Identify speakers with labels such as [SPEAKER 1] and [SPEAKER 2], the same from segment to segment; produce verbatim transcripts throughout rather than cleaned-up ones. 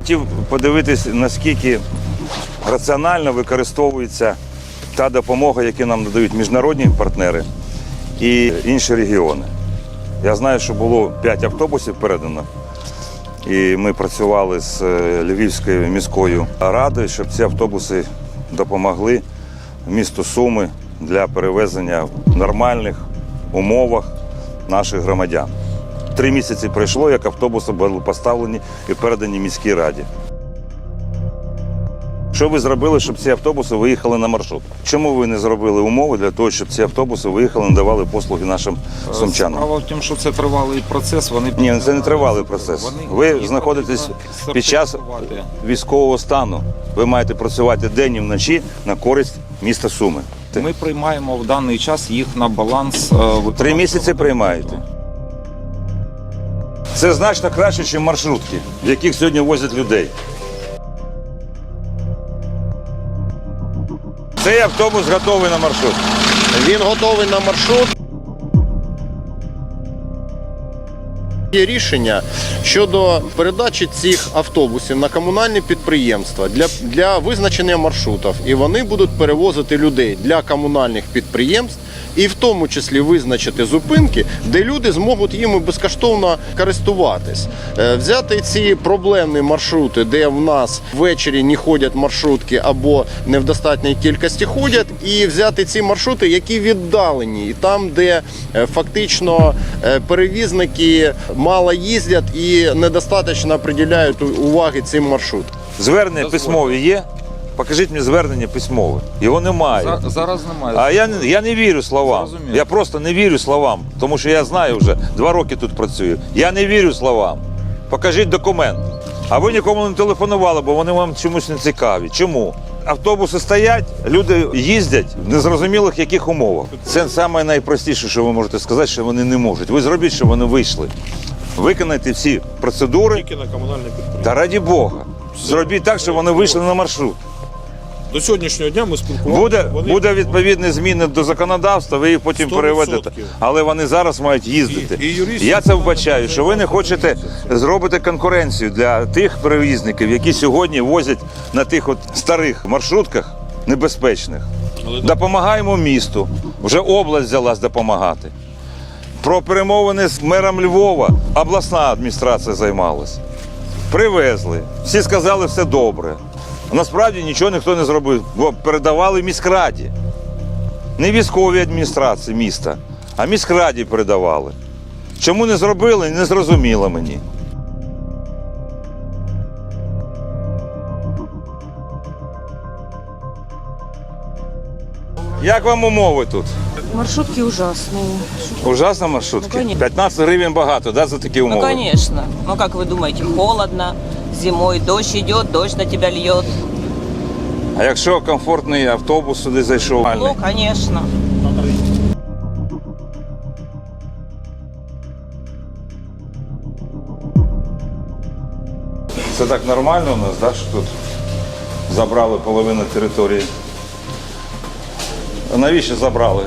[SPEAKER 1] хотів подивитись, наскільки раціонально використовується та допомога, яку нам надають міжнародні партнери і інші регіони. Я знаю, що було п'ять автобусів передано, і ми працювали з Львівською міською радою, щоб ці автобуси допомогли місту Суми для перевезення в нормальних умовах наших громадян. Три місяці пройшло, як автобуси були поставлені і передані міській раді. Що ви зробили, щоб ці автобуси виїхали на маршрут? Чому ви не зробили умови для того, щоб ці автобуси виїхали, надавали послуги нашим сумчанам?
[SPEAKER 2] Справа в тому, що це тривалий процес. Вони
[SPEAKER 1] Ні, це не тривалий процес. Ви знаходитесь під час військового стану. Ви маєте працювати день і вночі на користь міста Суми.
[SPEAKER 2] Ми приймаємо в даний час їх на баланс.
[SPEAKER 1] Три місяці приймаєте. Це значно краще, ніж маршрутки, в яких сьогодні возять людей. Цей автобус готовий на маршрут.
[SPEAKER 3] Він готовий на маршрут. Є рішення щодо передачі цих автобусів на комунальні підприємства для, для визначення маршрутів. І вони будуть перевозити людей для комунальних підприємств і в тому числі визначити зупинки, де люди зможуть їм безкоштовно користуватись. Взяти ці проблемні маршрути, де в нас ввечері не ходять маршрутки або не в достатній кількості ходять, і взяти ці маршрути, які віддалені, і там, де фактично перевізники мало їздять і недостатньо приділяють уваги цим маршрутам.
[SPEAKER 1] Звернення письмові є? Покажіть мені звернення письмове. Його немає.
[SPEAKER 2] За, зараз немає.
[SPEAKER 1] А я, я не вірю словам.
[SPEAKER 2] Зрозуміло.
[SPEAKER 1] Я просто не вірю словам, тому що я знаю вже, два роки тут працюю. Я не вірю словам. Покажіть документ. А ви нікому не телефонували, бо вони вам чомусь не цікаві. Чому? Автобуси стоять, люди їздять в незрозумілих яких умовах. Це найпростіше, що ви можете сказати, що вони не можуть. Ви зробіть, щоб вони вийшли. Виконайте всі процедури.
[SPEAKER 4] Тільки на комунальне підприємство.
[SPEAKER 1] Та раді Бога. Зробіть так, щоб вони вийшли на маршрут.
[SPEAKER 4] До сьогоднішнього дня ми спілкувалися.
[SPEAKER 1] Буде,
[SPEAKER 4] вони...
[SPEAKER 1] буде відповідні зміни до законодавства, ви їх потім
[SPEAKER 4] сто
[SPEAKER 1] переведете.
[SPEAKER 4] відсотків.
[SPEAKER 1] Але вони зараз мають їздити.
[SPEAKER 4] І- і юристи
[SPEAKER 1] Я це вбачаю, що ви не хочете зробити конкуренцію для тих перевізників, які сьогодні возять на тих от старих маршрутках небезпечних.
[SPEAKER 4] Але-
[SPEAKER 1] Допомагаємо місту. Вже область взялась допомагати. Про перемовини з мером Львова обласна адміністрація займалась. Привезли. Всі сказали, все добре. Насправді нічого ніхто не зробив, бо передавали міськраді. Не військовій адміністрації міста, а міськраді передавали. Чому не зробили, не зрозуміло мені. Як вам умови тут?
[SPEAKER 5] Маршрутки ужасные.
[SPEAKER 1] Ужасно маршрутки?
[SPEAKER 5] Ну, конечно.
[SPEAKER 1] п'ятнадцять гривень багато, да, за такі
[SPEAKER 5] Ну,
[SPEAKER 1] умови?
[SPEAKER 5] конечно. Ну, как вы думаете, холодно, зимой дождь идет, дождь на тебя льет.
[SPEAKER 1] А якщо комфортний автобус сюди зайшов?
[SPEAKER 5] Ну, конечно.
[SPEAKER 1] Це так нормально у нас, да, що тут забрали половину території? А навіщо забрали?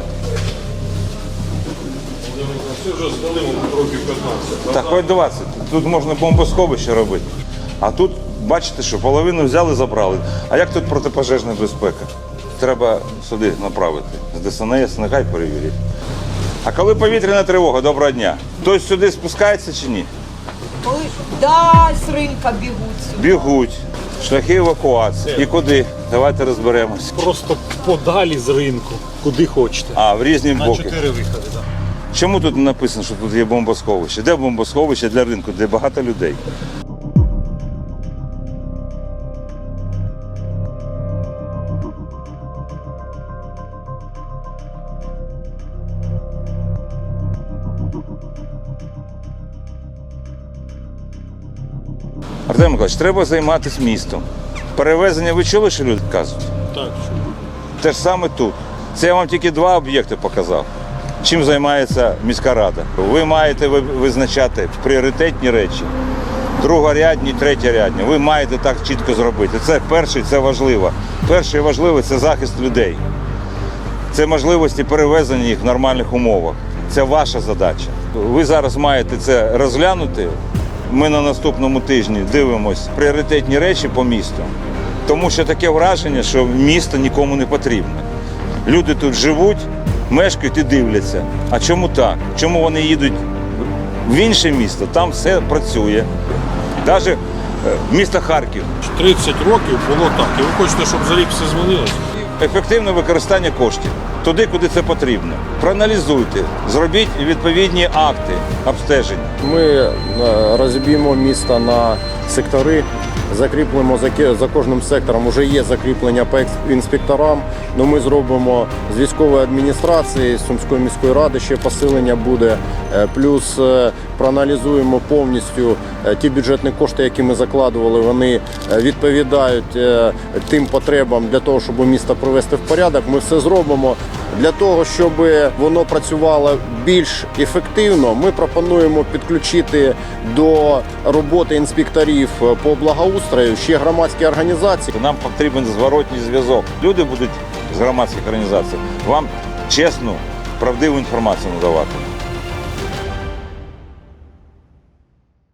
[SPEAKER 4] Це вже здали років п'ятнадцять.
[SPEAKER 1] Так, хоч двадцять. Тут можна бомбосховище робити. А тут, бачите, що половину взяли, забрали. А як тут протипожежна безпека? Треба сюди направити. З Де Ес En Ес, нехай перевірять. А коли повітряна тривога, доброго дня, хтось сюди спускається чи ні?
[SPEAKER 6] Ой, да, з ринка бігуть сюди.
[SPEAKER 1] Бігуть. Шляхи евакуації. І куди? Давайте розберемось.
[SPEAKER 4] Просто подалі з ринку, куди хочете.
[SPEAKER 1] А, в різні
[SPEAKER 4] На
[SPEAKER 1] боки.
[SPEAKER 4] чотири виходи, так.
[SPEAKER 1] Чому тут не написано, що тут є бомбосховище? Де бомбосховище для ринку, де багато людей? Артем Миколаївич, треба займатися містом. Перевезення, ви чули, що люди кажуть?
[SPEAKER 4] Так,
[SPEAKER 1] Те ж саме тут. Це я вам тільки два об'єкти показав. Чим займається міська рада? Ви маєте визначати пріоритетні речі, другорядні, третєрядні. Ви маєте так чітко зробити. Це перше, це важливо. Перше і важливе – це захист людей. Це можливості перевезення їх в нормальних умовах. Це ваша задача. Ви зараз маєте це розглянути ми на наступному тижні дивимось пріоритетні речі по місту, тому що таке враження, що місто нікому не потрібне. Люди тут живуть, мешкають і дивляться. А чому так? Чому вони їдуть в інше місто? Там все працює. Навіть місто Харків.
[SPEAKER 4] тридцять років було так. І ви хочете, щоб за рік все змінилося?
[SPEAKER 1] Ефективне використання коштів туди, куди це потрібно. Проаналізуйте, зробіть відповідні акти обстеження.
[SPEAKER 3] Ми е, розіб'ємо місто на сектори, закріплемо за, ки- за кожним сектором. Уже є закріплення по екс- інспекторам. Ну, ми зробимо з військової адміністрації, з Сумської міської ради ще посилення буде. Е, Плюс е, проаналізуємо повністю е, ті бюджетні кошти, які ми закладували. Вони е, відповідають е, тим потребам для того, щоб місто привести в порядок. Ми все зробимо. Для того, щоб воно працювало більш ефективно, ми пропонуємо підключити до роботи інспекторів по благоустрою ще громадські організації.
[SPEAKER 1] Нам потрібен зворотній зв'язок. Люди будуть з громадських організацій вам чесну, правдиву інформацію надавати.